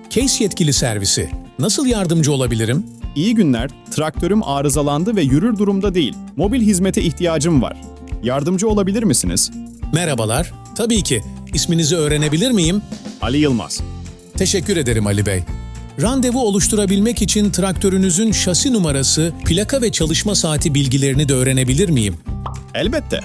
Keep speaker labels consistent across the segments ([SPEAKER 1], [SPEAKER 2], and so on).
[SPEAKER 1] Case yetkili servisi. Nasıl yardımcı olabilirim?
[SPEAKER 2] İyi günler, traktörüm arızalandı ve yürür durumda değil. Mobil hizmete ihtiyacım var. Yardımcı olabilir misiniz?
[SPEAKER 1] Merhabalar. Tabii ki. İsminizi öğrenebilir miyim?
[SPEAKER 2] Ali Yılmaz.
[SPEAKER 1] Teşekkür ederim Ali Bey. Randevu oluşturabilmek için traktörünüzün şasi numarası, plaka ve çalışma saati bilgilerini de öğrenebilir miyim?
[SPEAKER 2] Elbette.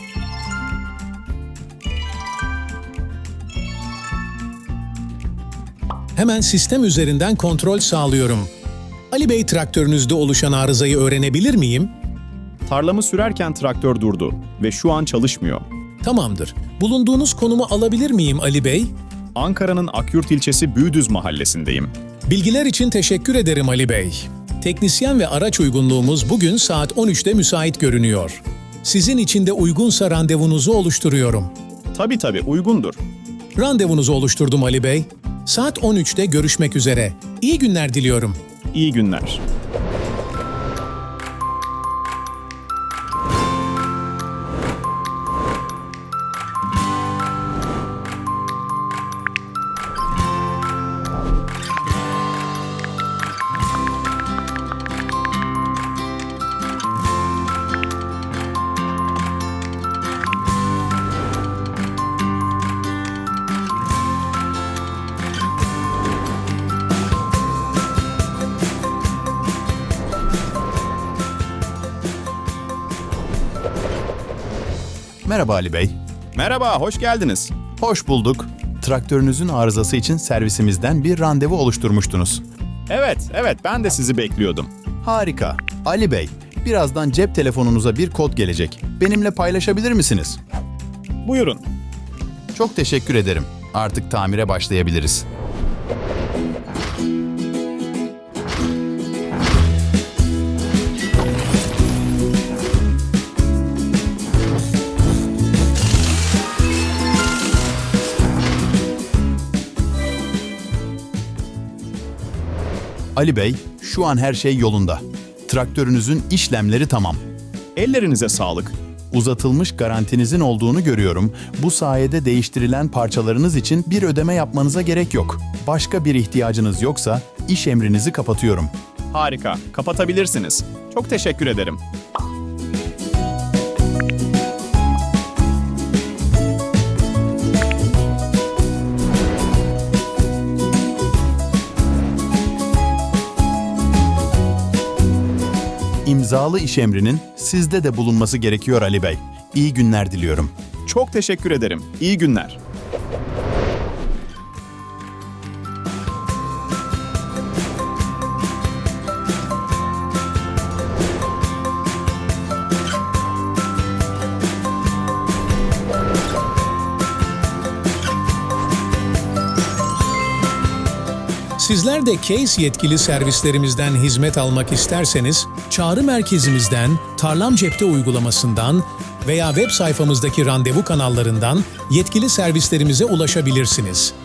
[SPEAKER 1] Hemen sistem üzerinden kontrol sağlıyorum. Ali Bey, traktörünüzde oluşan arızayı öğrenebilir miyim?
[SPEAKER 2] Tarlamı sürerken traktör durdu ve şu an çalışmıyor.
[SPEAKER 1] Tamamdır. Bulunduğunuz konumu alabilir miyim Ali Bey?
[SPEAKER 2] Ankara'nın Akyurt ilçesi Büyüdüz mahallesindeyim.
[SPEAKER 1] Bilgiler için teşekkür ederim Ali Bey. Teknisyen ve araç uygunluğumuz bugün saat 13'te müsait görünüyor. Sizin için de uygunsa randevunuzu oluşturuyorum.
[SPEAKER 2] Tabii uygundur.
[SPEAKER 1] Randevunuzu oluşturdum Ali Bey. Saat 13'te görüşmek üzere. İyi günler diliyorum.
[SPEAKER 2] İyi günler.
[SPEAKER 3] Merhaba Ali Bey.
[SPEAKER 2] Merhaba, hoş geldiniz.
[SPEAKER 3] Hoş bulduk. Traktörünüzün arızası için servisimizden bir randevu oluşturmuştunuz.
[SPEAKER 2] Evet, ben de sizi bekliyordum.
[SPEAKER 3] Harika. Ali Bey, birazdan cep telefonunuza bir kod gelecek. Benimle paylaşabilir misiniz?
[SPEAKER 2] Buyurun.
[SPEAKER 3] Çok teşekkür ederim. Artık tamire başlayabiliriz. Ali Bey, şu an her şey yolunda. Traktörünüzün işlemleri tamam.
[SPEAKER 2] Ellerinize sağlık.
[SPEAKER 3] Uzatılmış garantinizin olduğunu görüyorum. Bu sayede değiştirilen parçalarınız için bir ödeme yapmanıza gerek yok. Başka bir ihtiyacınız yoksa iş emrinizi kapatıyorum.
[SPEAKER 2] Harika, kapatabilirsiniz. Çok teşekkür ederim.
[SPEAKER 3] İmzalı iş emrinin sizde de bulunması gerekiyor Ali Bey. İyi günler diliyorum.
[SPEAKER 2] Çok teşekkür ederim. İyi günler.
[SPEAKER 1] Sizler de Case yetkili servislerimizden hizmet almak isterseniz, çağrı merkezimizden, Tarlam Cepte uygulamasından veya web sayfamızdaki randevu kanallarından yetkili servislerimize ulaşabilirsiniz.